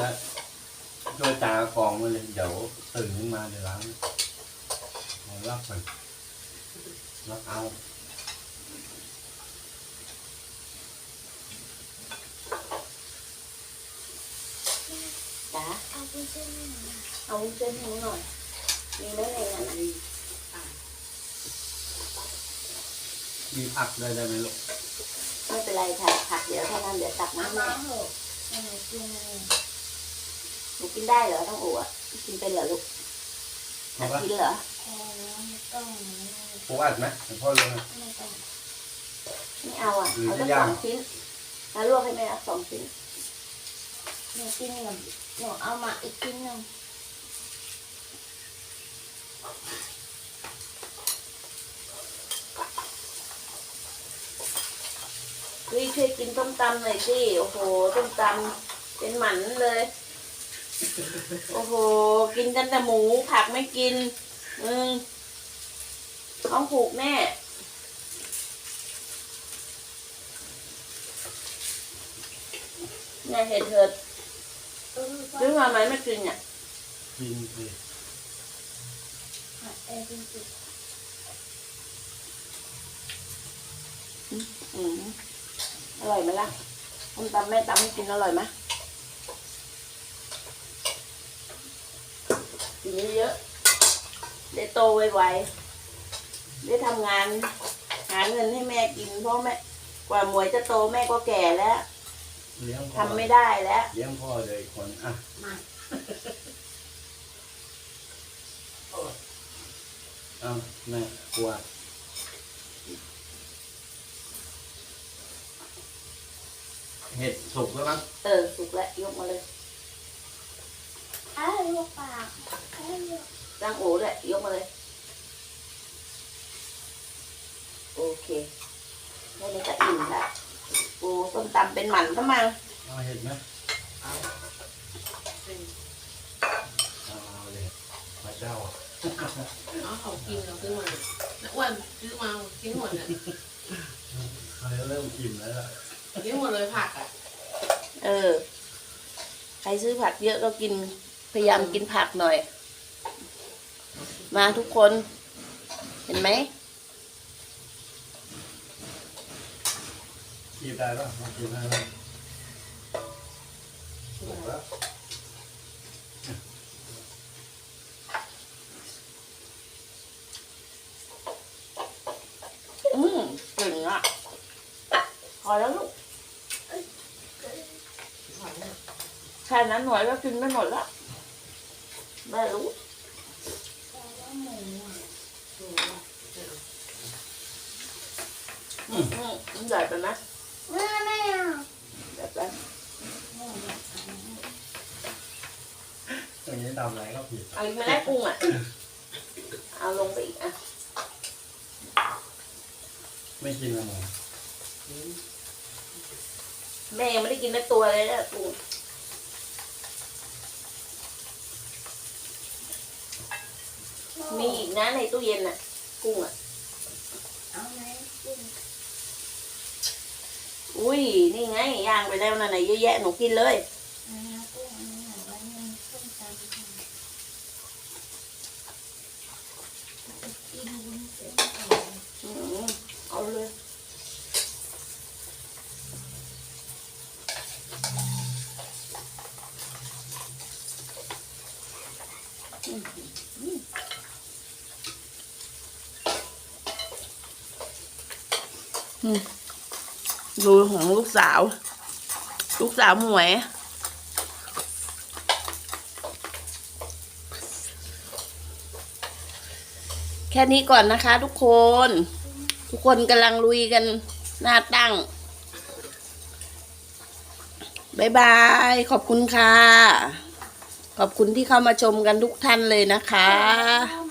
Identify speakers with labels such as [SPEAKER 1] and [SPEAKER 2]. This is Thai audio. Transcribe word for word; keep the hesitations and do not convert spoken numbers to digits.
[SPEAKER 1] จะช่วยตากองมาเลยเดี๋ยวตื่นขึ้นมาเดี๋ยวล้างเอาลักไปลักเอา
[SPEAKER 2] จ๋าเอาวุ้นเส้นให้หน่อยเอาวุ้นเส้นให้หน่อยมีไหมในนั้น
[SPEAKER 1] มีผักได้ได้ไหมลูก
[SPEAKER 2] ไม่เป็นไรค่ะผักเดี๋ยวถ้านั้นเดี๋ยวตักน้ำแม่หนูกินได้เหรอต้องอั่วกินเป็นเหรอลูกกินเหรอ
[SPEAKER 1] ปูอัดไหมพ่อเลย
[SPEAKER 2] ไม่เอาอ่ะเอาแค่สองชิ้นแล้วลวกให้แม่สองชิ้นหนูกินกับหนูเอามาอีกชิ้นหนึ่งพี่ช่วยกินต้มตำหน่อยสิโอ้โหต้มตำเป็นหมันเลยโอ้โหกินแต่แต่หมูผักไม่กินอืมท้องผูกแน่เนี่ยเห็ดเถิดซื้อมาไหมไม่กินเนี่ย
[SPEAKER 1] กินสิ
[SPEAKER 2] อืมอร่อยไหมล่ะต้มตำแม่ตำให้กินอร่อยไหมกินเยอะๆได้โตไวๆได้ทำงานหาเงินให้แม่กินเพราะแม่กว่าหมวยจะโตแม่ก็แก่แล้วทำไม่ได้แล้ว
[SPEAKER 1] เลี้ยงพ่อเลยคนอ่ะเอาแม่กลัวเห็ดสุกแล้วมั้ง
[SPEAKER 2] เออสุกแล้วยกมาเลยอ้าวลูกปากจ้างโอ๋เลยยกมาเลยโอเคแค่นี้ก็อิ่มละโอ้ต้มตำเป็นหมันก็มา
[SPEAKER 1] เอาเห็ดไหมเอาเอาเลยพระเจ้า
[SPEAKER 3] เอาเขากินเราซื้อมาน้าอ้วนซื้อมากินหมดเลย
[SPEAKER 1] เขาเริ่มกินแล้วล่ะ
[SPEAKER 3] กินหมดเลยผักอ่ะ
[SPEAKER 2] เออใครซื้อผักเยอะก็กินพยายามกินผักหน่อยมาทุกคนเห็นไหม
[SPEAKER 1] กินได้ป่ะมากินได้ป่ะถูกแล้ว
[SPEAKER 2] อืมเก่งอ่ะพอแล้วลูกแค่นั้นหน่อยก็กินไม่หมดแล้วแม่รู้อืมมันใหญ่ไปไหมแม่ไม่เอาใหญ่ไป
[SPEAKER 1] ตรงนี้ทำอะไรก็ผิด
[SPEAKER 2] เอาอีกไม่ได้กุ้งอ่ะเอาลงไปอีกอ่ะ
[SPEAKER 1] ไม่กินอะไร
[SPEAKER 2] แม่ยังไม่ได้กินทั้งตัวเลยนะกุ้งมีอีกนะในตู้เย็นน่ะกุ้งอ่ะเอาไหมกุ้งอุ้ยนี่ไงย่างไปแล้วนะไหนเยอะแยะหนูกินเลยเอาเลยดูของลูกสาวลูกสาวหมวยแค่นี้ก่อนนะคะทุกคนทุกคนกำลังลุยกันหน้าตั้งบ๊ายบายขอบคุณค่ะขอบคุณที่เข้ามาชมกันทุกท่านเลยนะคะ